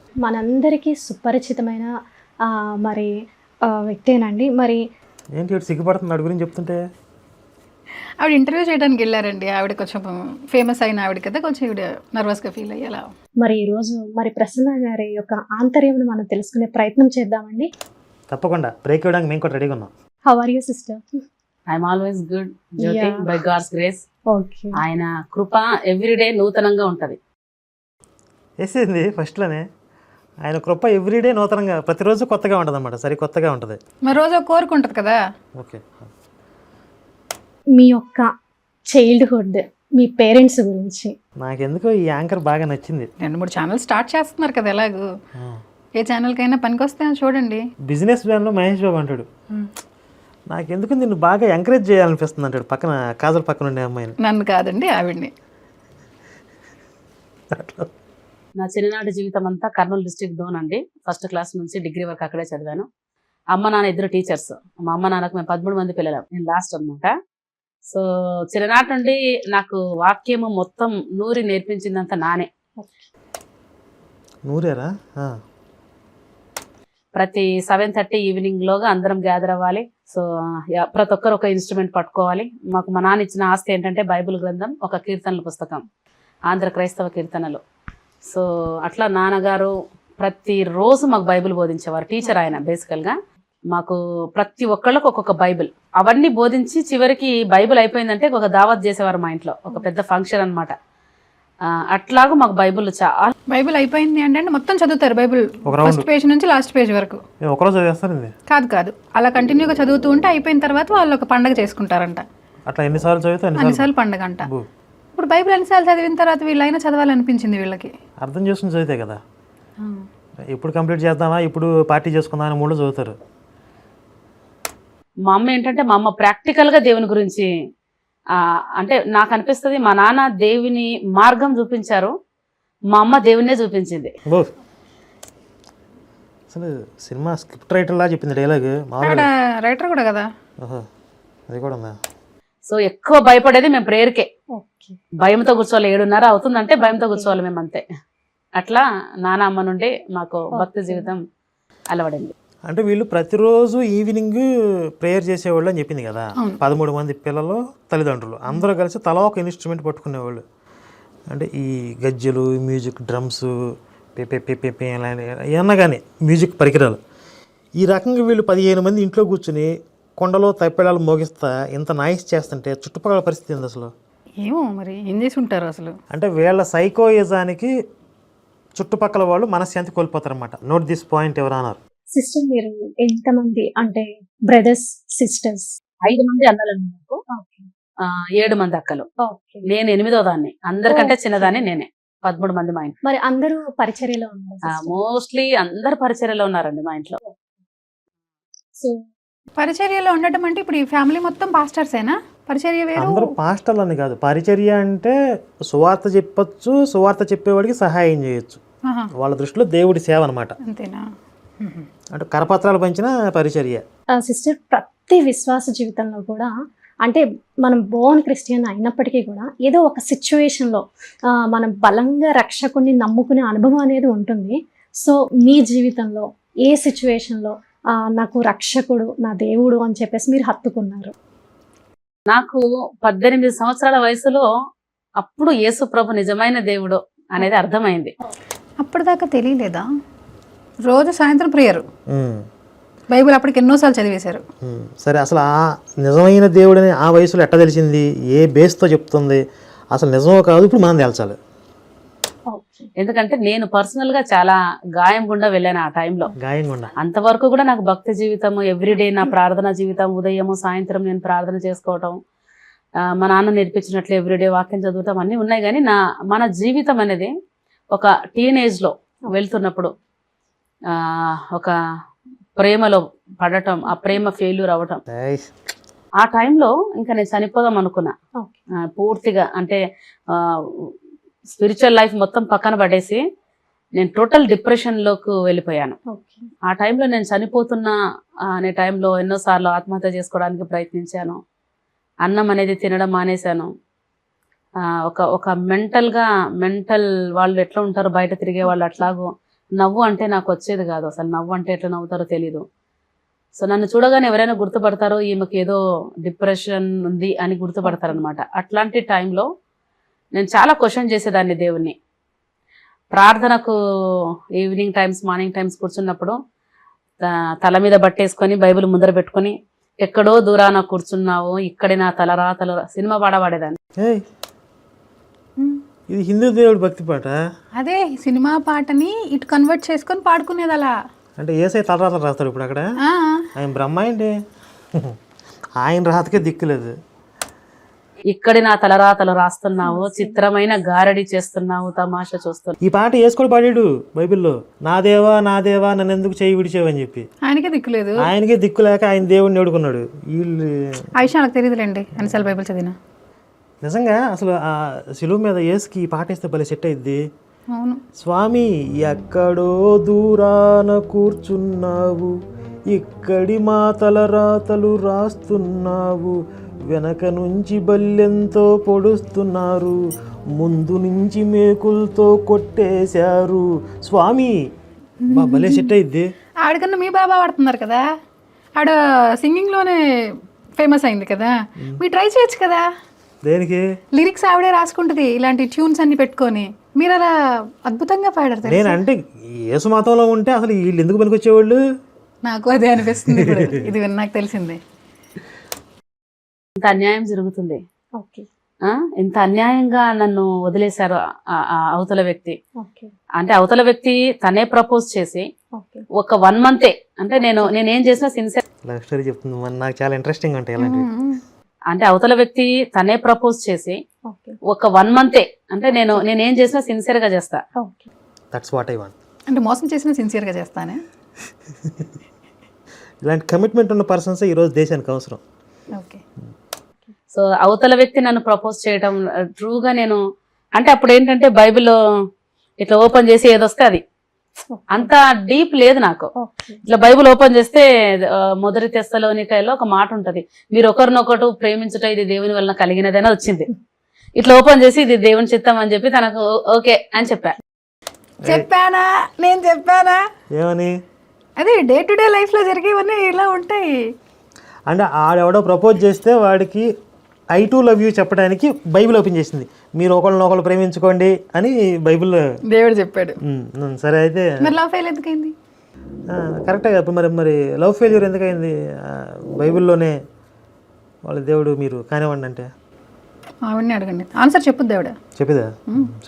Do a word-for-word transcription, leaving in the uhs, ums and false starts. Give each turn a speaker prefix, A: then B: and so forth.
A: మనందరికీ సుపరిచితమైన ఆహ్, మరి ఆహ్, వ్యక్తేనండి. మరి
B: ఏంటి ఇటు సిగ్గుపడుతుంది వాడి గురించి చెప్తుంటే?
C: ఆవిడ ఇంటర్వ్యూ చేయడానికి వెళ్ళారండి. ఆవిడ కొంచెం ఫేమస్ అయిన ఆవిడ కదా, కొంచెం ఈవిడ నర్వస్గా ఫీల్ అయ్యేలా.
A: మరి ఈరోజు మరి ప్రసన్న గారి యొక్క ఆంతర్యంను మనం తెలుసుకునే ప్రయత్నం చేద్దామండి.
B: తప్పకుండా బ్రేక్ ఇవ్వడానికి మేము కూడా రెడీగా ఉన్నాం.
A: How are you sister?
D: I'm always good Jyothi,
A: Yeah.
D: By God's grace.
A: Okay.
D: ఆయన కృప ఎవ్రీడే నూతనంగా ఉంటది.
B: వేసేసింది ఫస్ట్లోనే. ఆయన కృప ఎవ్రీడే నూతనంగా ప్రతిరోజు కొత్తగా ఉంటుంది అన్నమాట. సరి కొత్తగా ఉంటుంది.
C: మరి రోజు ఒక కోరిక ఉంటుంది కదా.
B: ఓకే.
A: మీ యొక్క చైల్డ్హుడ్, మీ పేరెంట్స్ గురించి.
B: నాకెందుకో ఈ యాంకర్ బాగా నచ్చింది.
C: రెండు మూడు ఛానల్ స్టార్ట్ చేస్తున్నారు కదా ఎలాగో. ఏ ఛానల్కైనా పనికొస్తే చూడండి.
B: బిజినెస్ మ్యాన్లో మహేష్ బాబు అంటాడు, నాకెందుకు నిన్ను బాగా ఎంకరేజ్ చేయాలనిపిస్తుంది అంటాడు పక్కన కాజల్ పక్కన ఉండే అమ్మాయిని.
C: నన్ను కాదండి, ఆవిడ్ని.
D: నా చిన్ననాటి జీవితం అంతా కర్నూలు డిస్ట్రిక్ట్ డోన్ అండి. ఫస్ట్ క్లాస్ నుంచి డిగ్రీ వరకు అక్కడే చదివాను. అమ్మ నాన్న ఇద్దరు టీచర్స్. మా అమ్మ నాన్నకు మేము పదమూడు మంది పిల్లలు, నేను లాస్ట్ అనమాట. సో చిన్ననాటి నుండి నాకు వాక్యము మొత్తం నూరి నేర్పించిందంతా నానే.
B: నూరేరా?
D: ప్రతి సెవెన్ థర్టీ ఈవినింగ్ లోగా అందరం గ్యాదర్ అవ్వాలి. సో యా, ప్రతి ఒక్కరు ఒక ఇన్స్ట్రుమెంట్ పట్టుకోవాలి. మాకు మా నాన్న ఇచ్చిన ఆస్తి ఏంటంటే బైబిల్ గ్రంథం, ఒక కీర్తనల పుస్తకం, ఆంధ్ర క్రైస్తవ కీర్తనలు. సో అట్లా నాన్నగారు ప్రతిరోజు మాకు బైబిల్ బోధించేవారు. టీచర్ ఆయన బేసికల్గా. మాకు ప్రతి ఒక్కళ్ళకు ఒక్కొక్క బైబిల్ అవన్నీ బోధించి చివరికి బైబిల్ అయిపోయిందంటే ఒక దావత్ చేసేవారు మా ఇంట్లో, ఒక పెద్ద ఫంక్షన్ అనమాట. అట్లాగూ మాకు బైబిల్ చాలా.
C: బైబిల్ అయిపోయింది అంటే మొత్తం చదువుతారు బైబిల్, ఫస్ట్ పేజ్ నుంచి లాస్ట్ పేజ్ వరకు.
B: ఒకరోజు చదివేస్తారండి?
C: కాదు కాదు, అలా కంటిన్యూగా చదువుతూ ఉంటే అయిపోయిన తర్వాత వాళ్ళు ఒక పండగ చేసుకుంటారంట.
B: అట్లా ఎన్నిసార్లు చదివితే
C: అన్నిసార్లు పండగ అంట. ఇప్పుడు బైబిల్ ఎన్నిసార్లు చదివిన తర్వాత వీళ్ళైనా చదవాలనిపించింది వీళ్ళకి.
B: అర్థం చేసుకుని చదివితే కదా. ఇప్పుడు కంప్లీట్ చేద్దామా, ఇప్పుడు పార్టీ చేసుకుందాం అని మూడు చదువుతారు.
D: మా అమ్మ ఏంటంటే మా అమ్మ ప్రాక్టికల్గా దేవుని గురించి అంటే నాకు అనిపిస్తుంది, మా నాన్న దేవుని మార్గం చూపించారు, మా అమ్మ దేవునే చూపించింది.
B: అసలు సినిమా స్క్రిప్ట్ రైటర్ లా చెప్పింది డైలాగ్.
C: రైటర్ కూడా కదా,
B: అది కూడా ఉందా?
D: సో ఎక్కువ భయపడేది మేము ప్రేయర్కే. భయంతో కూర్చోవాలి, ఏడున్నర అవుతుందంటే భయంతో కూర్చోవాలి మేము, అంతే. అట్లా నాన్న అమ్మ నుండి మాకు భక్తి జీవితం అలవడింది.
B: అంటే వీళ్ళు ప్రతిరోజు ఈవినింగ్ ప్రేయర్ చేసేవాళ్ళు అని చెప్పింది కదా. పదమూడు మంది పిల్లలు, తల్లిదండ్రులు అందరూ కలిసి తలా ఒక ఇన్స్ట్రుమెంట్ పట్టుకునేవాళ్ళు. అంటే ఈ గజ్జలు, మ్యూజిక్, డ్రమ్స్, పెపే పెపే ఏమన్నా కానీ మ్యూజిక్ పరికరాలు. ఈ రకంగా వీళ్ళు పదిహేను మంది ఇంట్లో కూర్చుని కొండలో తప్పెడాలు మోగిస్తా ఇంత నాయిస్ చేస్తుంటే చుట్టుపక్కల పరిస్థితి ఏంది అసలు?
C: ఏమో మరి ఏం చేసి ఉంటారు అసలు.
B: అంటే వీళ్ళ సైకోయిజానికి చుట్టుపక్కల వాళ్ళు మనశ్శాంతి కోల్పోతారన్నమాట. నోట్ దిస్ పాయింట్ ఎవరు అన్నారు.
A: సిస్టర్ మీరు ఎంతమంది అంటే బ్రదర్స్ సిస్టర్స్?
D: ఐదు మంది అన్నలు నాకు, ఏడు మంది అక్కలు, నేను ఎనిమిదో దాన్ని. అందరికంటే చిన్నదాన్ని నేనే. పదమూడు మంది మా ఇంట్లో.
A: మరి అందరూ పరిచర్యలో ఉన్నారు?
D: మోస్ట్లీ అందరు పరిచర్యలో ఉన్నారండి మా ఇంట్లో.
A: సో
C: పరిచర్యలో ఉండటం అంటే ఇప్పుడు ఈ ఫ్యామిలీ మొత్తం పాస్టర్సేనా? పరిచర్య వేరు.
B: అందరూ పాస్టర్లు అని కాదు, పరిచర్య అంటే సువార్త చెప్పొచ్చు, సువార్త చెప్పేవాడికి సహాయం చేయొచ్చు. వాళ్ళ దృష్టిలో దేవుడి సేవ అనమాట.
C: అంతేనా?
B: అంటే కరపత్రాలు పంచిన పరిచర్య.
A: సిస్టర్ ప్రతి విశ్వాస జీవితంలో కూడా అంటే మనం బోర్న్ క్రిస్టియన్ అయినప్పటికీ కూడా ఏదో ఒక సిచ్యువేషన్లో మనం బలంగా రక్షకుడిని నమ్ముకునే అనుభవం అనేది ఉంటుంది. సో మీ జీవితంలో ఏ సిచ్యువేషన్లో నాకు రక్షకుడు నా దేవుడు అని చెప్పేసి మీరు హత్తుకున్నారు?
D: నాకు పద్దెనిమిది సంవత్సరాల వయసులో అప్పుడు యేసు ప్రభు నిజమైన దేవుడు అనేది అర్థమైంది.
C: అప్పటిదాకా తెలియలేదా? రోజు సాయంత్రం ప్రేయరు, బైబిల్ అప్పటికి ఎన్నోసార్లు చదివేశారు.
B: సరే, అసలు ఆ నిజమైన దేవుడని ఆ వయసులో ఎట్ట తెలిసింది? ఏ బేస్తో చెప్తుంది? అసలు నిజమో కాదు ఇప్పుడు మనం తేల్చాలి.
D: ఎందుకంటే నేను పర్సనల్ గా చాలా గాయం గుండా వెళ్ళాను ఆ టైంలో.
B: గాయం గుండా
D: అంతవరకు కూడా నాకు భక్తి జీవితం ఎవ్రీడే, నా ప్రార్థన జీవితం, ఉదయము సాయంత్రం నేను ప్రార్థన చేసుకోవటం, మా నాన్న నేర్పించినట్లు ఎవ్రీడే వాక్యం చదవటం అన్నీ ఉన్నాయి. కానీ నా మన జీవితం అనేది ఒక టీనేజ్లో వెళ్తున్నప్పుడు ఒక ప్రేమలో పడటం, ఆ ప్రేమ ఫెయిల్యూర్ అవ్వటం, ఆ టైంలో ఇంకా నేను చనిపోదాం అనుకున్నా పూర్తిగా. అంటే స్పిరిచువల్ లైఫ్ మొత్తం పక్కన పడేసి నేను టోటల్ డిప్రెషన్లోకి వెళ్ళిపోయాను. ఆ టైంలో నేను చనిపోతున్నా అనే టైంలో ఎన్నోసార్లు ఆత్మహత్య చేసుకోవడానికి ప్రయత్నించాను. అన్నం అనేది తినడం మానేశాను. ఒక ఒక మెంటల్గా మెంటల్ వాళ్ళు ఎట్లా ఉంటారు బయట తిరిగే వాళ్ళు అట్లాగూ నవ్వు అంటే నాకు వచ్చేది కాదు, అసలు నవ్వు అంటే ఎట్లా నవ్వుతారో తెలీదు. సో నన్ను చూడగానే ఎవరైనా గుర్తుపడతారో ఈమెకి ఏదో డిప్రెషన్ ఉంది అని గుర్తుపడతారనమాట. అట్లాంటి టైంలో నేను చాలా క్వశ్చన్ చేసేదాన్ని దేవుణ్ణి. ప్రార్థనకు ఈవినింగ్ టైమ్స్ మార్నింగ్ టైమ్స్ కూర్చున్నప్పుడు తల మీద బట్టేసుకొని బైబిల్ ముందర పెట్టుకొని ఎక్కడో దూరాన కూర్చున్నావు ఇక్కడే నా తలరా తలరా సినిమా పాట పాడేదాన్ని.
B: ఏయ్, ఇది హిందూ దేవుడి భక్తి పాట.
C: అదే సినిమా పాటని ఇటు కన్వర్ట్ చేసుకొని పాడుకునేది అలా.
B: అంటే ఏసై తలరాతలు రాస్తాడు ఇప్పుడు అక్కడ.
C: ఆ,
B: ఆయన బ్రహ్మ అండి, ఆయన రాతకే దిక్కులేదు.
D: ఇక్కడి నా తలరాతలు రాస్తున్నావు, చిత్రమైన గారడి చేస్తున్నావు, తమాషా చూస్తున్నావు.
B: ఈ పాట వేసుకొని పాడాడు బైబిల్లో, నా దేవా నా దేవా నన్ను ఎందుకు చేయి విడిచేవని చెప్పి.
C: ఆయనకే దిక్కులేదు,
B: ఆయనకే దిక్కు లేక ఆయన దేవుడిని ఏడుకున్నాడు. వీళ్ళు
C: ఆ విషయం నాకు తెలియదులేండి అన్నిసార్లు బైబిల్ చదివినా.
B: నిజంగా అసలు ఆ శిలువ మీద ఏసుకి ఈ పాట వేస్తే భలే సెట్ అయింది.
C: అవును.
B: స్వామి ఎక్కడో దూరాన కూర్చున్నావు, ఇక్కడి మా తలరాతలు రాస్తున్నావు, వెనక నుంచి బల్లెంతో పొడుస్తున్నారు, ముందు నుంచి మేకులతో కొట్టేశారు స్వామి. బా భలే సెట్ అయింది.
C: ఆవిడకన్నా మీ బాబా పాడుతున్నారు కదా, ఆవిడ సింగింగ్లోనే ఫేమస్ అయింది కదా, మీరు ట్రై చేయొచ్చు కదా.
B: దేనికి?
C: లిరిక్స్ ఆవిడే రాసుకుంటుంది ఇలాంటి ట్యూన్స్ అన్ని పెట్టుకొని, మీరు అలా అద్భుతంగా పాడారు తెలుసా?
B: నేను అంటే యేసు మతంలో ఉంటే అసలు వీళ్ళు ఎందుకు పనికొచ్చేవాళ్ళు?
C: నాకు అదే అనిపిస్తుంది ఇప్పుడు ఇది విని నాకు తెలిసిందే.
D: ఇంత అన్యాయం జరుగుతుంది,
A: ఓకే
D: ఆ ఇంత అన్యాయంగా నన్ను వదిలేశారు ఆ- ఆ అవతల వ్యక్తి.
A: ఓకే
D: అంటే అవతల వ్యక్తి తనే ప్రపోజ్ చేసి
A: ఓకే
D: ఒక వన్ మంతే, అంటే నేను నేనేం చేసినా సిన్సియర్,
B: లవ్ స్టోరీ చెప్తుంది మరి, నాకు చాలా ఇంట్రెస్టింగ్ ఉంటాయి ఇలాంటివి.
D: అంటే అవతల వ్యక్తి తనే ప్రపోజ్ చేసి
A: ఓకే
D: ఒక వన్ మంతే, అంటే నేను నేనేం చేసినా సిన్సియర్ గా చేస్తా.
A: Okay
B: that's what I want.
C: అంటే మోసం చేసినా సిన్సియర్గా చేస్తానే.
B: ఇలాంటి కమిట్మెంట్ ఉన్న పర్సన్స్ ఈరోజు దేశానికి అవసరం.
C: ఓకే.
D: సో అవతల వ్యక్తి నన్ను ప్రపోజ్ చేయడం ట్రూగా నేను, అంటే అప్పుడు ఏంటంటే బైబిల్లో ఇట్లా ఓపెన్ చేసి ఏదొస్తే అది, అంత డీప్ లేదు నాకు.
A: ఓకే
D: ఇట్లా బైబిల్ ఓపెన్ చేస్తే ఆ, మొదటి తెస్సలోనికైలో ఒక మాట ఉంటది, మీరు ఒకరినొకరు ప్రేమించుట ఇది దేవుని వలన కలిగినదని వచ్చింది. ఇట్లా ఓపెన్ చేసి ఇది దేవుని చిత్తం అని చెప్పి తనకు ఓకే అని చెప్పా.
C: చెప్పానా నేను చెప్పానా?
B: ఏమని?
C: అదే డే టు డే లైఫ్ లో జరిగేవన్నీ ఇలా ఉంటాయి.
B: అంటే ఆడెవడో ప్రపోజ్ చేస్తే వాడికి ఐ టు లవ్ యూ చెప్పడానికి బైబిల్ ఓపెన్ చేసింది, మీరు ఒకళ్ళని ఒకళ్ళు ప్రేమించుకోండి అని బైబిల్
C: దేవుడు చెప్పాడు.
B: ఉమ్, సరే అయితే
C: మరి లవ్ ఫెయిల్ ఎందుకైంది?
B: కరెక్టే కదా మరి. మరి లవ్ ఫెయిల్యూర్ ఎందుకైంది? ఆ, బైబిల్లోనే వాళ్ళ దేవుడు మీరు కానివ్వండి అంటే
C: ఆవిడని అడగండి, ఆన్సర్ చెప్పు దేవుడా.
B: చెప్పేదా?